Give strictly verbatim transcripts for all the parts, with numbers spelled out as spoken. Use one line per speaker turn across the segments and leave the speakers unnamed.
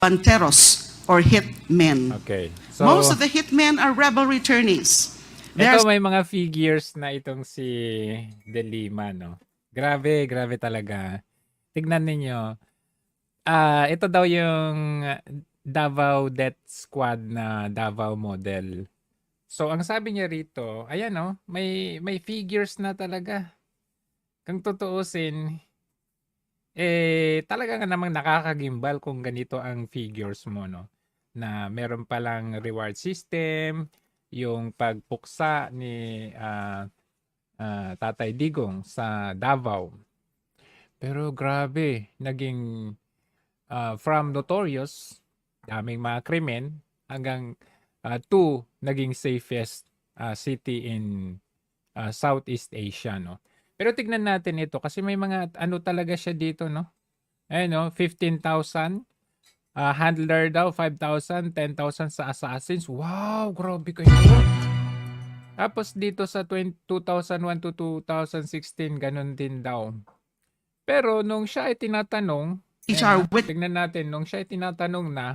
Panteros or hitmen.
Okay. So,
Most of the hitmen are rebel returnees.
ito
There's
may mga figures na itong si De Lima, no? Grabe, grabe talaga. Tignan ninyo. Ah, ito daw yung Davao Death Squad na Davao model. So, ang sabi niya rito, ayan no, may, may figures na talaga. Kung tutuusin, eh, talaga nga namang nakakagimbal kung ganito ang figures mo, no? Na meron palang reward system, yung pagpuksa ni ah, ah, Tatay Digong sa Davao. Pero grabe, naging ah, from notorious, daming mga krimen, hanggang ah, to naging safest ah, city in ah, Southeast Asia, no? Pero tignan natin ito kasi may mga ano talaga siya dito, no? Ayun, no? fifteen thousand. Ah, handler daw, five thousand, ten thousand sa assassins. Wow, grabe kayo. Tapos dito sa two thousand one to two thousand sixteen, ganun din daw. Pero nung siya ay tinatanong,
H
ayan,
R
ah,
with
tignan natin, nung siya ay tinatanong na,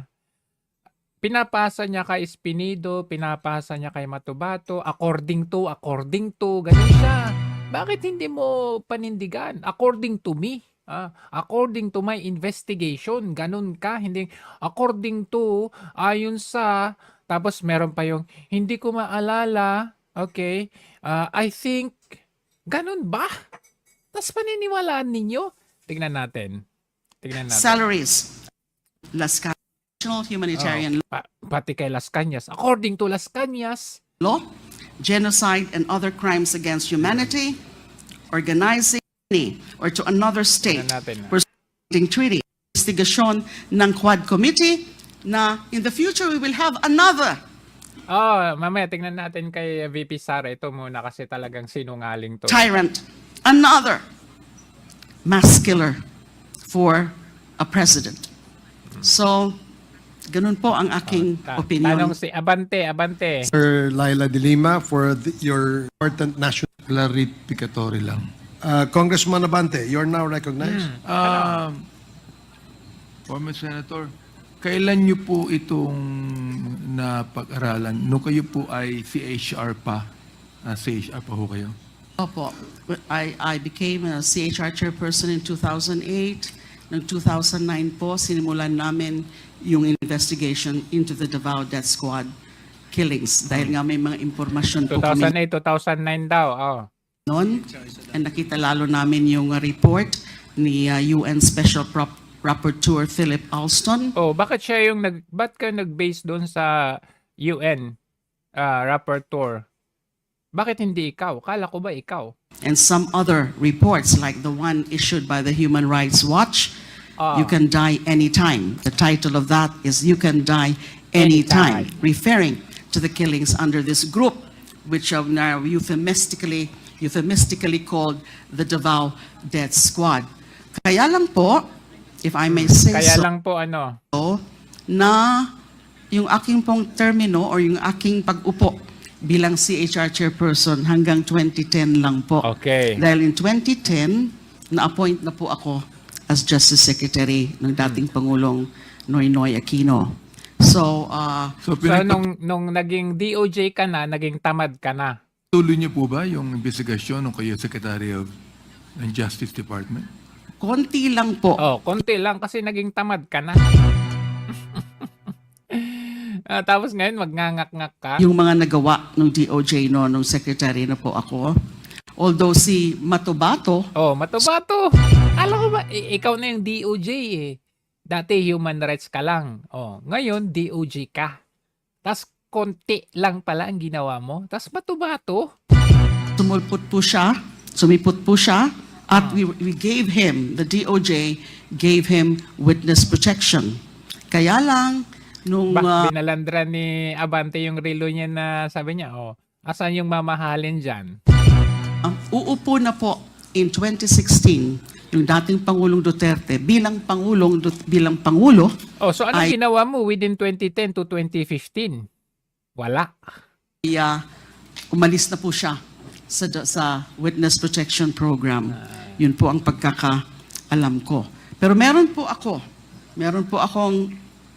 pinapasa niya kay Espinido, pinapasa niya kay Matubato, according to, according to, ganun siya. Bakit hindi mo panindigan? According to me. Ah, according to my investigation, ganun ka, hindi according to, ayon sa, tapos meron pa yung hindi ko maalala, okay, ah, I think, ganun ba? Tapos paniniwalaan ninyo? Tignan natin. Tignan natin.
salaries. Las Cañas National Humanitarian
Oh, pa- pati kay Las Cañas. According to Las Cañas,
Law, genocide and other crimes against humanity, organizing any or to another state,
tignan natin. ah.
pursuing treaty, investigasyon ng Quad Committee na in the future we will have another
Oh, mamaya tingnan natin kay V P Sara. Ito muna kasi talagang sinungaling to.
tyrant, another mass killer for a president. So, ganun po ang aking
Ta-
opinion.
Tanong si Abante, Abante.
Sir Laila de Lima for the, your important national
Clarificatory lang.
uh, Congressman Abante, you're now recognized.
Um, former Senator, kailan niyo po itong napag-aralan? Nung kayo po ay C H R pa, ah, C H R pa ho kayo?
Opo. I, I became a C H R chairperson in two thousand eight. Noong two thousand nine po, sinimulan namin yung investigation into the Davao Death Squad killings. Dahil nga may mga impormasyon po kami
two thousand eight, two thousand nine daw. Oh.
noon. And nakita lalo namin yung uh, report ni uh, U N Special Prop Rapporteur Philip Alston.
Oh, bakit siya yung nag ba't ka nag-base doon sa U N ah, rapporteur? Bakit hindi ikaw? Kala ko ba ikaw?
And some other reports like the one issued by the Human Rights Watch,
Ah.
You Can Die Anytime. The title of that is You Can Die Anytime,
Anytime.
referring to the killings under this group, which are now euphemistically, euphemistically called the Davao Death Squad. Kaya lang po, if I may say
Kaya
so,
lang po ano,
na yung aking pong termino or yung aking pag-upo bilang C H R chairperson hanggang twenty ten lang po.
Okay.
Dahil in twenty ten, na-appoint na po ako as Justice Secretary ng dating Pangulong Noynoy Aquino. So, uh,
So,
so
pinagpatuloy
nung, nung naging D O J ka na, naging tamad ka na.
niyo po ba yung investigasyon nung kayo Secretary of ng Justice Department?
konti lang po.
Oh, konti lang kasi naging tamad ka na. Ah, tapos ngayon magngangak-ngak ka.
Yung mga nagawa ng D O J no, nung secretary na po ako. Although si Matubato,
Oh, matubato. Alam ko ba, i- ikaw na yung D O J eh. Dati human rights ka lang. Oh, ngayon D O J ka. Tas konti lang pala ang ginawa mo. Tas matubato.
sumulpot po siya, sumipot po siya, at we, we gave him, the D O J gave him witness protection. Kaya lang, nung
Ba,
uh,
binalandra ni Abante yung relo niya na sabi niya, oh, asan yung mamahalin dyan?
uh, uupo na po in twenty sixteen, yung dating Pangulong Duterte bilang Pangulong Dut- bilang Pangulo,
Oh, so ano
Ay-
ginawa mo within twenty ten to twenty fifteen? Wala.
ay, uh, umalis na po siya sa, sa witness protection program. Yun po ang pagkakaalam ko. Pero meron po ako, meron po akong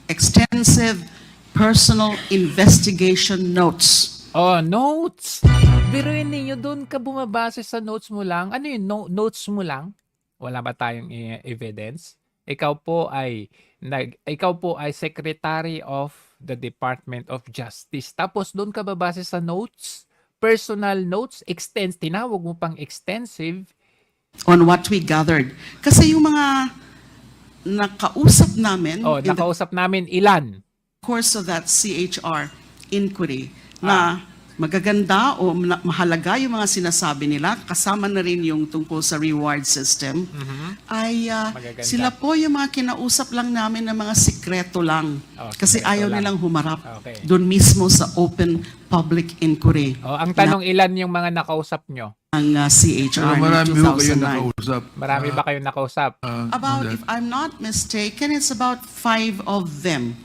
extensive personal investigation notes.
Oh, notes. Biruin ninyo, doon ka bumabase sa notes mo lang. Ano yun, no, notes mo lang? Wala ba tayong eh, evidence? Ikaw po ay nag ikaw po ay Secretary of the Department of Justice. Tapos doon ka babase sa notes, personal notes, extens tinawag mo pang extensive.
On what we gathered. Kasi yung mga nakausap namin
Oh,
in the
nakausap namin ilan?
course of that C H R inquiry na magaganda o na- mahalaga yung mga sinasabi nila, kasama na rin yung tungkol sa reward system, ay ah,
Magaganda.
sila po yung mga kinausap lang namin ng mga sikreto lang.
Oh,
Kasi
sikreto
ayaw
lang.
nilang humarap
Okay.
doon mismo sa open public inquiry
Oh, ang tanong, ilan yung mga nakausap nyo?
ng ah, C H
Pero
R
marami
in
ho kayo
two thousand nine.
nakausap.
Marami ba kayong nakausap?
Ah,
About,
on that.
if I'm not mistaken, it's about five of them.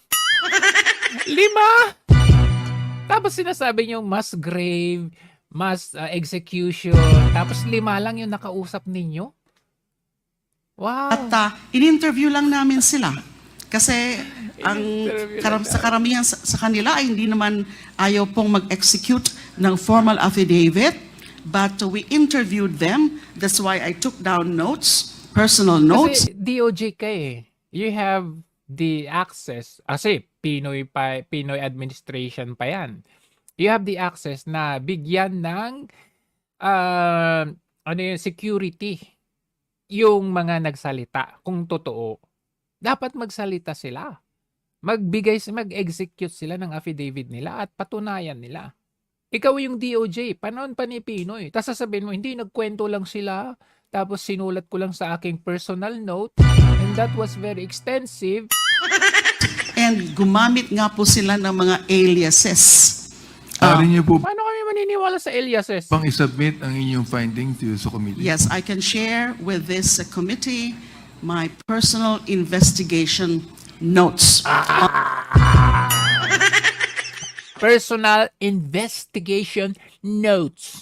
Lima! Tapos sinasabi niyo mass grave, mass uh, execution, tapos lima lang yung nakausap ninyo? Wow!
At uh, in-interview lang namin sila. Kasi ang
In-interview
karam,
lang
sa karamihan sa, sa kanila ay hindi naman ayaw pong mag-execute ng formal affidavit, but uh, we interviewed them. That's why I took down notes, personal notes.
Kasi D O J ka eh. You have the access, kasi Pinoy, pa, Pinoy administration pa yan. You have the access na bigyan ng uh, ano yung security yung mga nagsalita kung totoo. Dapat magsalita sila. Magbigay, mag-execute sila ng affidavit nila at patunayan nila. Ikaw yung D O J, panahon pa ni Pinoy. Tapos sasabihin mo, hindi, nagkwento lang sila. Tapos sinulat ko lang sa aking personal note. And that was very extensive.
And gumamit nga po sila ng mga aliases.
Maaari niyo po
Paano kami maniniwala sa aliases?
pang isubmit ang inyong findings to sa committee.
Yes, I can share with this uh, committee my personal investigation notes.
Personal investigation notes.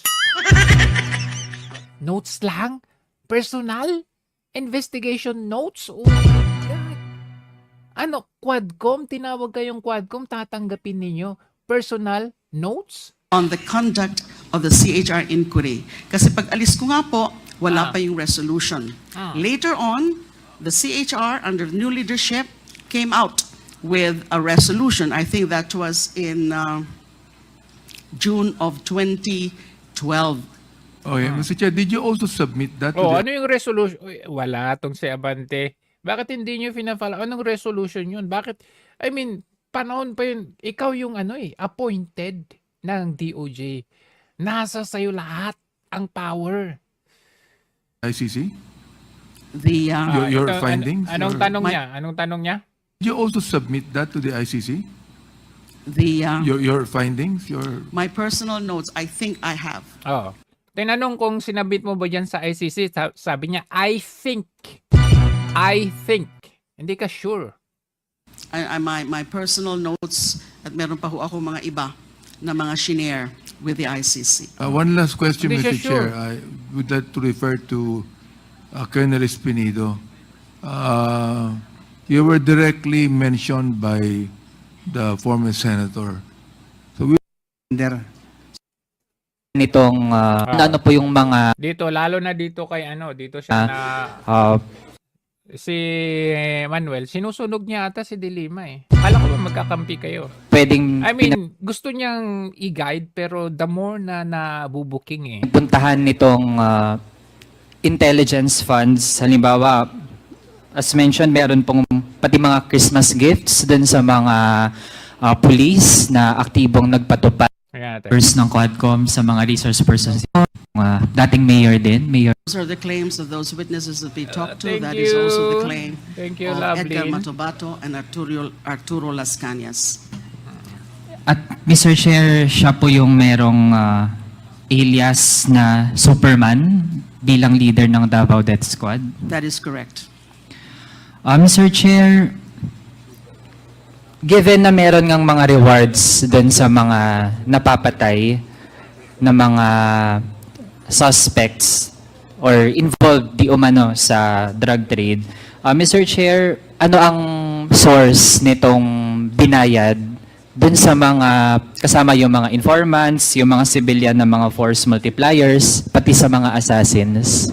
Notes lang? Personal investigation notes? Oh my God. Ano, Quadcom? Tinawag kayong Quadcom, tatanggapin ninyo personal notes?
On the conduct of the C H R inquiry. Kasi pag alis ko nga po, wala
Ah.
pa yung resolution.
Ah.
Later on, the C H R under new leadership came out with a resolution. I think that was in uh, June of twenty twelve.
Oh, yeah. Mister Chair, did you also submit that to
Oh,
the...
ano yung resolution? Uy, wala tong si Abante. Bakit hindi nyo finafala? Anong resolution yun? Bakit? I mean, panahon pa yun. Ikaw yung ano eh, appointed ng D O J. Nasa sayo lahat ang power.
I C C?
The uh,
Your- your
ito, an-
findings,
anong
your-
tanong
My-
niya? Anong tanong niya?
Did you also submit that to the I C C?
the uh,
Your your findings, your...
my personal notes, I think I have.
Oo. Tinanong kung sinabit mo ba dyan sa I C C, sa- sabi niya, I think. I think. Hindi ka sure.
I, I, my, my personal notes at meron pa ho ako mga iba na mga shinare with the I C C.
Uh, one last question,
Hindi siya
Mister
sure.
Chair. I would like to refer to uh, Colonel Espinido. Uh, you were directly mentioned by the former senator. So we
Under nitong ah, ano po yung mga
Dito, lalo na dito kay ano, dito siya na,
ah,
si Manuel, sinusunog niya ata si Dilima eh. Kala ko ba magkakampi kayo?
pwedeng
I mean, gusto niyang i-guide pero the more na nabubuking eh.
pinapuntahan nitong ah, intelligence funds. Halimbawa, as mentioned, meron pong pati mga Christmas gifts dun sa mga ah, police na aktibong nagpatupad
Ayan natin.
first ng Quadcom sa mga resource persons. Mga dating mayor din, Mayor
Those are the claims of those witnesses that we talked to.
thank
That is also the
you.
claim
Thank you,
of Edgar
Lovelyn.
Matobato and Arturo, Arturo Las Cañas.
At Mister Chair, siya po yung merong ah, alias na Superman bilang leader ng Davao Death Squad.
That is correct.
Ah, Mister Chair, given na meron ngang mga rewards dun sa mga napapatay na mga suspects or involved di umano sa drug trade, ah, Mister Chair, ano ang source nitong binayad dun sa mga kasama yung mga informants, yung mga civilian na mga force multipliers, pati sa mga assassins?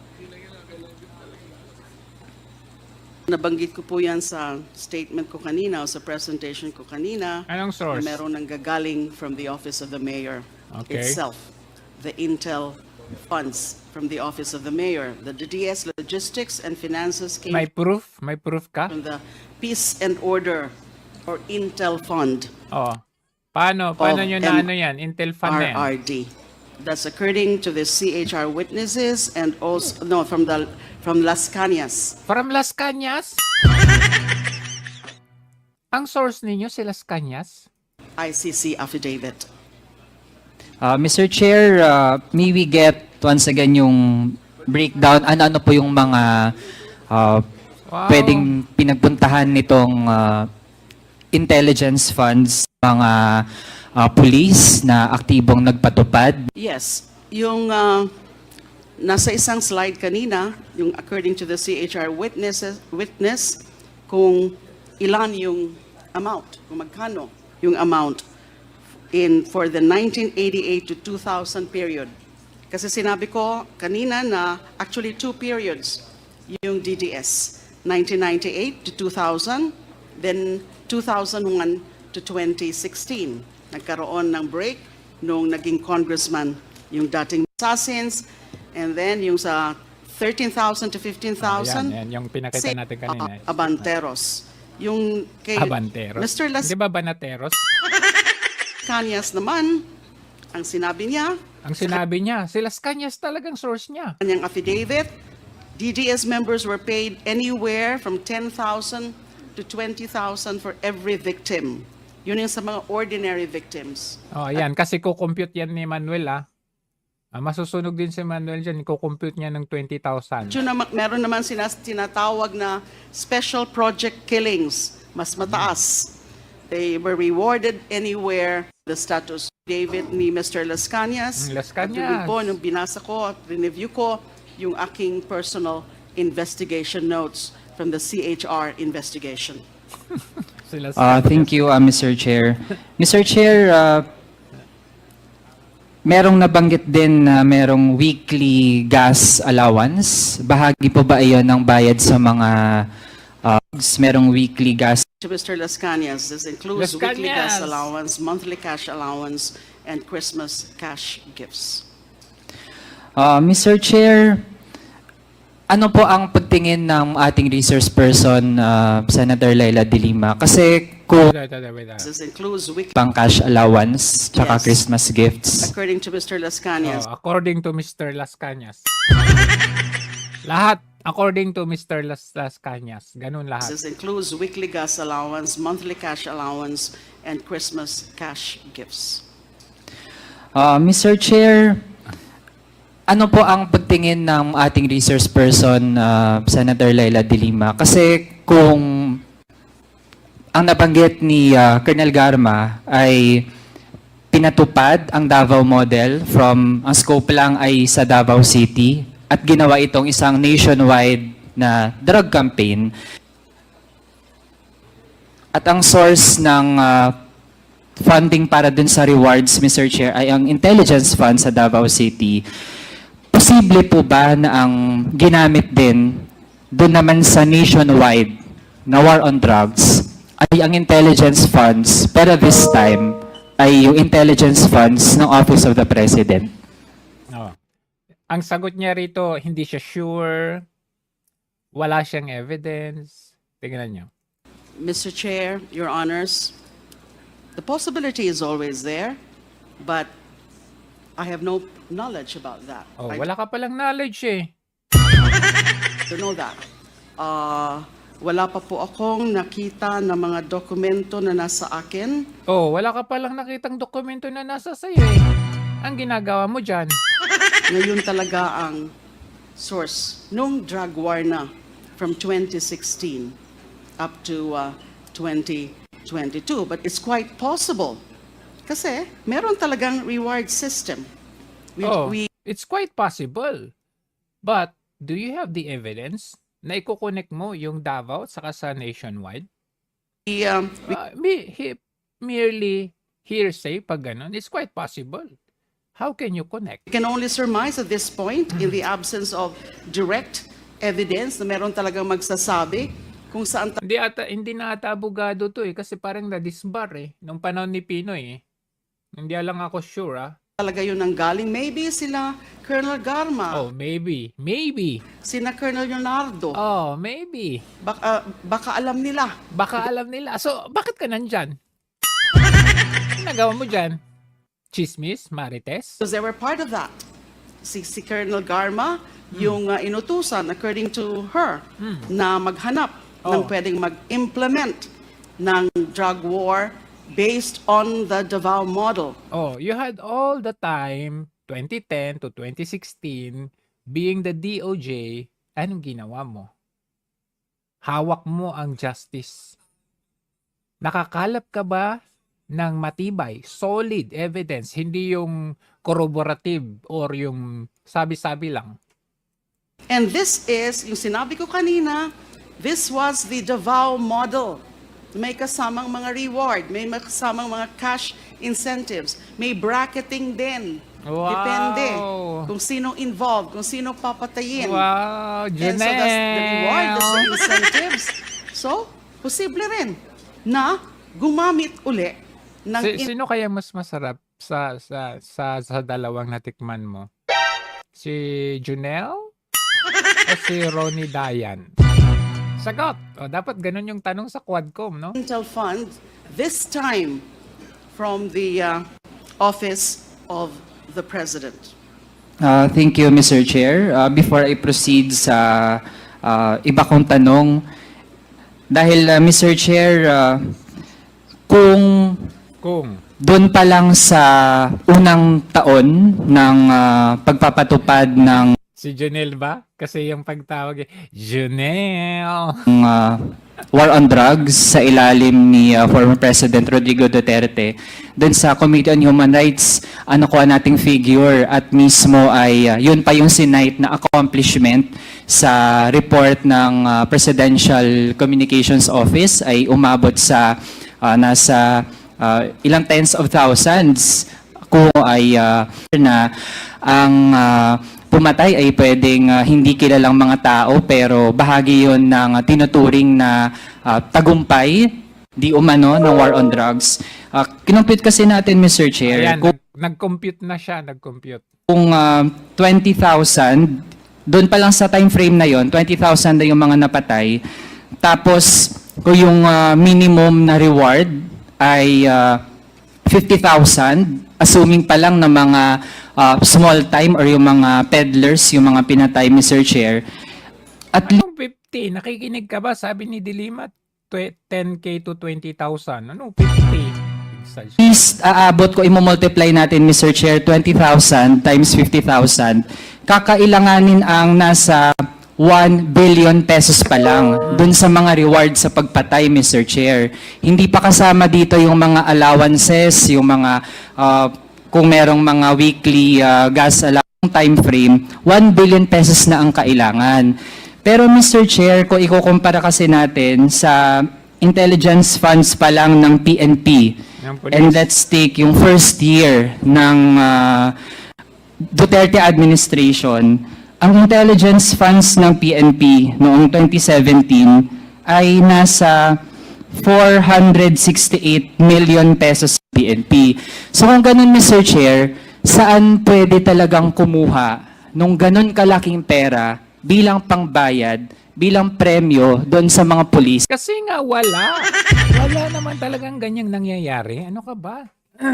Nabanggit ko po yan sa statement ko kanina o sa presentation ko kanina.
Anong
Na
source?
meron nang gagaling from the Office of the Mayor
Okay.
itself. The Intel funds from the Office of the Mayor. The D D S Logistics and Finances came
May proof? May proof ka?
from the Peace and Order or Intel Fund,
Oo. Paano? Paano
Of
nyo na
M-
ano yan? Intel Fund na yan?
R R D. That's according to the C H R witnesses and also, no, from the, from Las Cañas.
From Las Cañas? Ang source ninyo si Las Cañas?
I C C affidavit.
Uh, Mister Chair, uh, may we get once again yung breakdown, ano-ano po yung mga uh,
Wow.
pwedeng pinagpuntahan nitong uh, intelligence funds, mga uh, police na aktibong nagpatupad?
Yes, yung uh, nasa isang slide kanina, yung according to the C H R witnesses, witness, kung ilan yung amount, kung magkano yung amount in for the nineteen eighty-eight to two thousand period. Kasi sinabi ko kanina na actually two periods yung D D S, nineteen ninety-eight to two thousand, then two thousand one to twenty sixteen. Nagkaroon ng break nung naging congressman yung dating assassins, and then yung sa thirteen thousand to fifteen thousand,
Ayan, yan, yung pinakita natin kanina.
uh, Abanteros. Yung kay
Abanteros.
Mister Las
Di ba Banateros?
Cañas naman, ang sinabi niya,
Ang sinabi niya, si Las Cañas talagang source niya.
kanyang affidavit, D D S members were paid anywhere from ten thousand to twenty thousand for every victim. Yun yung sa mga ordinary victims.
Oh, ayan, kasi kukompute yan ni Manuel ah. Ah, masusunog din si Manuel dyan, kukompute niya ng twenty thousand.
Yun naman, meron naman sinas, tinatawag na special project killings, mas mataas. They were rewarded anywhere. The status David ni Mister Las Cañas.
Mm, Las
At
Cañas.
yun po, nung binasa ko at review ko, yung aking personal investigation notes from the C H R investigation.
Si Las
Uh,
Cañas.
thank you, uh, Mister Chair. Mister Chair, uh, merong nabanggit din na merong weekly gas allowance. Bahagi po ba iyon ng bayad sa mga uh, merong weekly gas?
To Mister Las Cañas, this includes
Las
weekly gas
Cañas.
allowance, monthly cash allowance, and Christmas cash gifts.
Uh, Mister Chair, ano po ang pagtingin ng ating resource person, uh, Senator Laila De Lima? Kasi kung
Wait, wait, wait, wait.
This includes weekly,
pang cash allowance, tsaka
Yes.
Christmas gifts.
according to Mister Las Cañas,
Oh, according to Mister Las Cañas. Lahat, according to Mister Las, Las Cañas. Ganun lahat.
this includes weekly gas allowance, monthly cash allowance, and Christmas cash gifts.
Uh, Mister Chair, ano po ang pagtingin ng ating resource person, uh, Senator Laila De Lima? Kasi kung ang nabanggit ni uh, Colonel Garma ay pinatupad ang Davao model from, ang scope lang ay sa Davao City at ginawa itong isang nationwide na drug campaign. At ang source ng uh, funding para dun sa rewards, Mister Chair, ay ang intelligence fund sa Davao City. Posible po ba na ang ginamit din doon naman sa nationwide na war on drugs ay ang intelligence funds, pero this time ay yung intelligence funds ng Office of the President?
Oh. Ang sagot niya rito, hindi siya sure. Wala siyang evidence. Tingnan niyo.
Mister Chair, Your Honors, the possibility is always there, but I have no knowledge about that.
Oh,
I
wala ka palang knowledge eh.
don't know that. Uh, wala pa po akong nakita na mga dokumento na nasa akin.
Oh, wala ka palang nakitang dokumento na nasa sa'yo eh. Ang ginagawa mo dyan.
Ngayon talaga ang source nung drug war na from twenty sixteen up to uh, twenty twenty-two. But it's quite possible kasi meron talagang reward system. We,
Oh,
we
it's quite possible. But, do you have the evidence na iko-connect mo yung Davao saka sa nationwide?
We, um, we
Uh, me, he, merely hearsay pag ganun, it's quite possible. How can you connect?
can only surmise at this point, in the absence of direct evidence na meron talagang magsasabi kung saan
Hindi ata hindi na ata abogado to eh kasi parang na-disbar eh nung panahon ni Pinoy eh. Hindi lang ako sure ah.
talaga yun ang galing. Maybe sila Colonel Garma,
Oh, maybe. Maybe.
sina Colonel Leonardo.
Oh, maybe.
Baka, baka alam nila.
Baka alam nila. So, bakit ka nandyan? Ano nagawa mo dyan? Chismis? Marites?
Because they were part of that. Si, si Colonel Garma, yung uh, inutusan, according to her, na maghanap ng
Oh.
pwedeng mag-implement ng drug war based on the Davao model.
Oh, you had all the time, twenty ten to twenty sixteen, being the D O J, anong ginawa mo? Hawak mo ang justice. Nakakalap ka ba ng matibay, solid evidence, hindi yung corroborative or yung sabi-sabi lang?
And this is, yung sinabi ko kanina, this was the Davao model. May kasamang mga reward, may kasamang mga cash incentives, may bracketing din.
Wow!
Depende kung sino involved, kung sino papatayin.
Wow,
And so that's the reward, that's the
Janelle!
incentives. So, posible rin na gumamit uli ng
Si, sino kaya mas masarap sa sa sa, sa dalawang natikman mo? Si Junel o si Ronnie Dayan? Sagot! O, dapat ganun yung tanong sa Quadcom, no?
Intel Fund, this time from the uh, office of the President.
Uh, thank you, Mister Chair. Uh, before I proceed sa uh, iba kong tanong, dahil uh, Mister Chair, uh, kung
Kung
doon pa lang sa unang taon ng uh, pagpapatupad ng
si Junel ba? Kasi yung pagtawag eh, Junel!
uh, war on drugs sa ilalim ni uh, former President Rodrigo Duterte, doon sa Committee on Human Rights, ano ko nating figure at mismo ay uh, yun pa yung sinight na accomplishment sa report ng uh, Presidential Communications Office ay umabot sa uh, nasa uh, ilang tens of thousands kung ay uh, na ang uh, pumatay ay pwedeng uh, hindi kilalang mga tao pero bahagi yon ng uh, tinuturing na uh, tagumpay di umano ng war on drugs. Uh, kinumpute kasi natin, Mister Chair,
Ayan,
kung,
nag- nag-compute na siya, nag-compute.
kung uh, twenty thousand, doon pa lang sa time frame na yon, twenty thousand na yung mga napatay. Tapos, kung yung uh, minimum na reward ay uh, fifty thousand, assuming pa lang na mga uh, small time or yung mga peddlers, yung mga pinatay, Mister Chair, at
Anong fifty? Nakikinig ka ba? Sabi ni Dilima, tw- ten K to twenty thousand. Ano fifty? Exaggerate.
least aabot ko, imomultiply natin, Mister Chair, twenty thousand times fifty thousand, kakailanganin ang nasa one billion pesos pa lang dun sa mga reward sa pagpatay, Mister Chair. Hindi pa kasama dito yung mga allowances, yung mga, uh, kung merong mga weekly uh, gas allowance time frame, one billion pesos na ang kailangan. Pero Mister Chair, kung ikukumpara kasi natin sa intelligence funds pa lang ng P N P,
Ng police.
and let's take yung first year ng uh, Duterte administration, ang intelligence funds ng P N P noong twenty seventeen ay nasa four hundred sixty-eight million pesos P N P. So kung ganun, Mister Chair, saan pwede talagang kumuha nung ganun kalaking pera bilang pangbayad, bilang premyo doon sa mga pulis?
Kasi nga wala. Wala naman talagang ganyang nangyayari. Ano ka ba?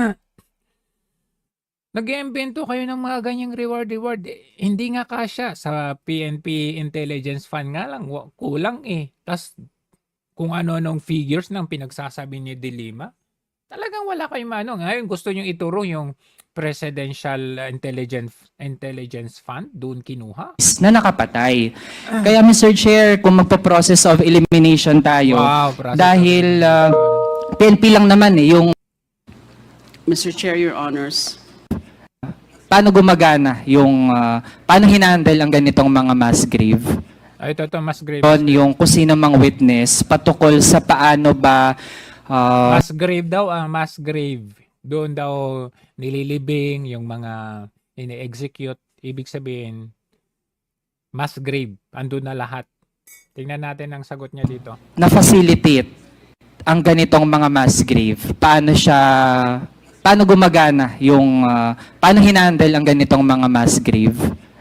Nag-iimbento kayo ng mga ganyang reward-reward. Eh, hindi nga kasya. Sa P N P Intelligence Fund nga lang, wa- kulang eh. Tapos kung ano-anong figures ng pinagsasabi ni Dilima, talagang wala kayong mano. Ngayon gusto nyo ituro yung Presidential Intelligence Intelligence Fund, doon kinuha.
Na nakapatay. Kaya Mister Chair, kung magpo-process of elimination tayo,
Wow, process
dahil
of
uh, P N P lang naman eh, yung
Mister Chair, Your Honors.
paano gumagana, yung uh, paano hinandle ang ganitong mga mass grave.
Ay, ito, ito, mas grave.
on yung kung sino mang witness patukol sa paano ba ah,
Mass grave daw, ang mass grave. Doon daw nililibing yung mga ini-execute. Ibig sabihin, mass grave. Andun na lahat. Tingnan natin ang sagot niya dito.
na-facilitate ang ganitong mga mass grave. Paano siya, paano gumagana yung, ah, paano hinandle ang ganitong mga mass grave?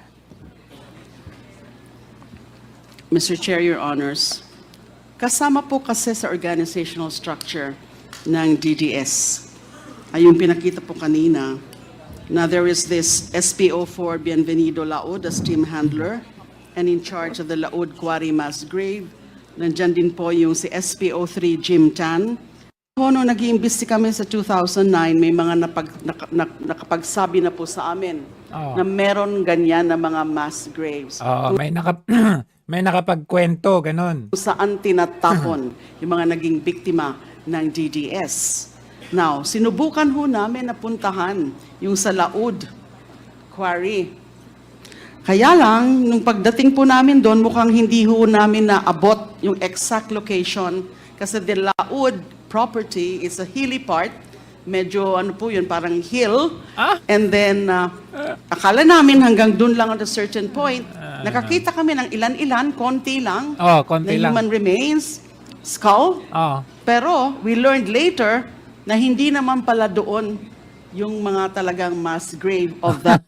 Mister Chair, Your Honors, kasama po kasi sa organizational structure ng D D S, ay yung pinakita po kanina, na there is this S P O four Bienvenido Laod as team handler, and in charge of the Laod Quarry Mass Grave. Nandyan din po yung si S P O three Jim Tan. Nung nag-iimbesti kami sa two thousand nine, may mga napag, nak, nak, nakapagsabi na po sa amin
Oo.
na meron ganyan na mga mass graves.
Oo, may naka may nakapagkwento ganun.
Kung saan tinatapon yung mga naging biktima ng D D S. Now, sinubukan ho namin na puntahan yung sa Laod Quarry. Kaya lang, nung pagdating po namin doon, mukhang hindi ho namin naabot yung exact location kasi the Laod property is a hilly part. Medyo ano po yun, parang hill.
Ah?
And then, uh, akala namin hanggang doon lang at a certain point. Nakakita kami ng ilan-ilan, konti lang,
Oh, konti
na
lang.
human remains, skull.
Oh.
Pero we learned later na hindi naman pala doon yung mga talagang mass grave of that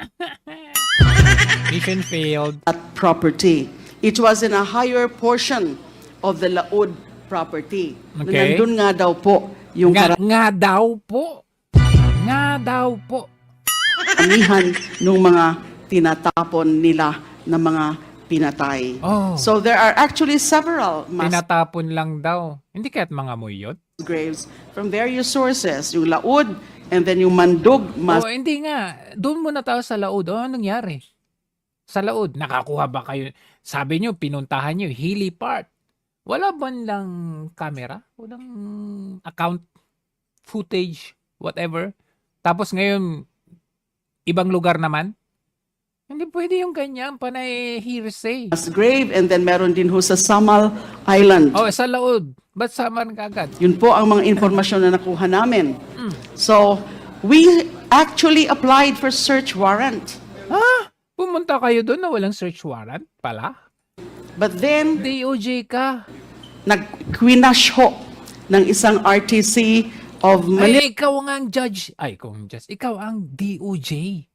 Mission failed.
property. It was in a higher portion of the Laod property. Na
Okay.
nandun nga daw po yung
Nga, nga daw po. Nga daw po.
karamihan ng mga tinatapon nila na mga pinatay.
Oh.
So there are actually several mass
Tinatapon lang daw. Hindi kaya't mga muyot?
graves from various sources. Yung Laod and then yung Mandog mass
Oh, hindi nga. Doon muna tayo sa Laod. Oh, anong nangyari? Sa Laod, nakakuha ba kayo? Sabi nyo, pinuntahan nyo, hilly part. Wala ba lang camera? Walang account, footage, whatever. Tapos ngayon, ibang lugar naman? Hindi pwede yung ganyan, panay hearsay.
grave and then meron din ho sa Samal Island.
Oh, sa Laod. Ba't saman ka agad?
Yun po ang mga informasyon na nakuha namin. So, we actually applied for search warrant.
Ha? Pumunta kayo doon na walang search warrant pala?
But then,
D O J ka.
nag-quinash ho ng isang R T C of Manila.
Ay, ikaw nga ang judge. Ay, ikaw ang judge. Ikaw ang D O J.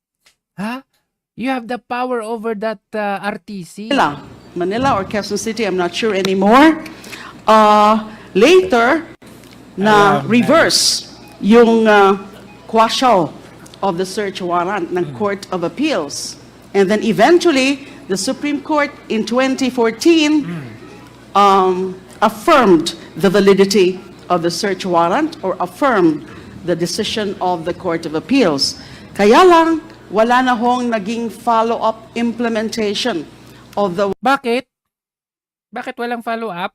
Ha? You have the power over that uh, R T C.
Manila, Manila or Quezon City, I'm not sure anymore. Uh, later, na
Alam na.
reverse yung uh, quashal of the search warrant ng Court of Appeals. And then eventually, the Supreme Court in twenty fourteen um, affirmed the validity of the search warrant or affirmed the decision of the Court of Appeals. Kaya lang, wala na hong naging follow-up implementation of the
Bakit? Bakit walang follow-up?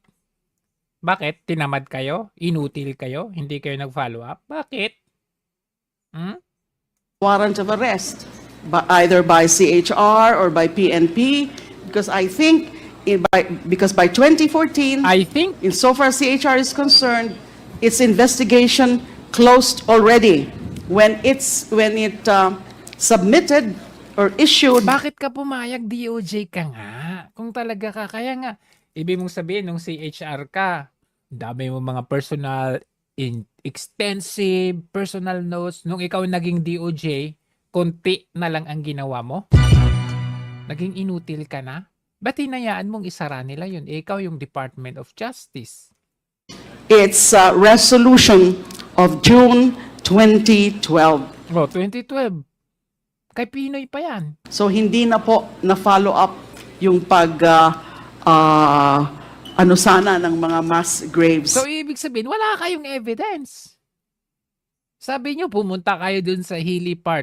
Bakit? Tinamad kayo? Inutil kayo? Hindi kayo nag-follow up? Bakit? Hmm?
warrant of arrest, by, either by C H R or by P N P, because I think, in, by, because by twenty fourteen,
I think
insofar as C H R is concerned, its investigation closed already when it's when it uh, submitted or issued.
bakit ka pumayag D O J ka nga? Kung talaga ka, kaya nga, ibig mong sabihin nung C H R ka, dami mo mga personal, in, extensive personal notes. Nung ikaw naging D O J, konti na lang ang ginawa mo? Naging inutil ka na? Ba't hinayaan mong isara nila yun? Eh, ikaw yung Department of Justice.
Its uh, resolution of June twenty twelve.
Oh, twenty twelve. Kay Pinoy pa yan.
So hindi na po na follow up yung pag uh, uh, ano sana ng mga mass graves.
So, ibig sabihin, wala kayong evidence. Sabi nyo, pumunta kayo dun sa hilly part.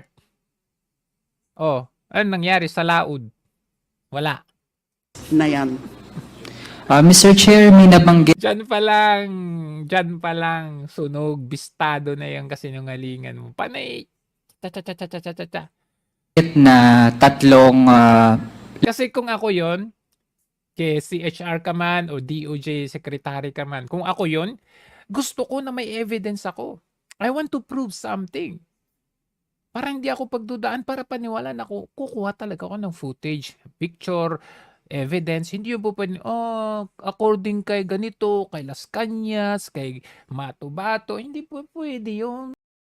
Oh, ano nangyari sa Laod? Wala.
na yan.
Ah, Mister Chair, may nabanggit
Diyan pa lang, diyan pa lang, sunog, bistado na yung kasinungalingan mo. Panay, cha cha cha cha cha cha cha cha.
na tatlong ah,
Kasi kung ako yon, Kay C H R ka man o D O J secretary ka man. Kung ako yun, gusto ko na may evidence ako. I want to prove something. Para hindi ako pagdudaan, para paniwalaan ako, kukuha talaga ako ng footage, picture, evidence. Hindi yung po pwede, oh, according kay ganito, kay Las Cañas, kay Mato Bato, hindi po pwede yung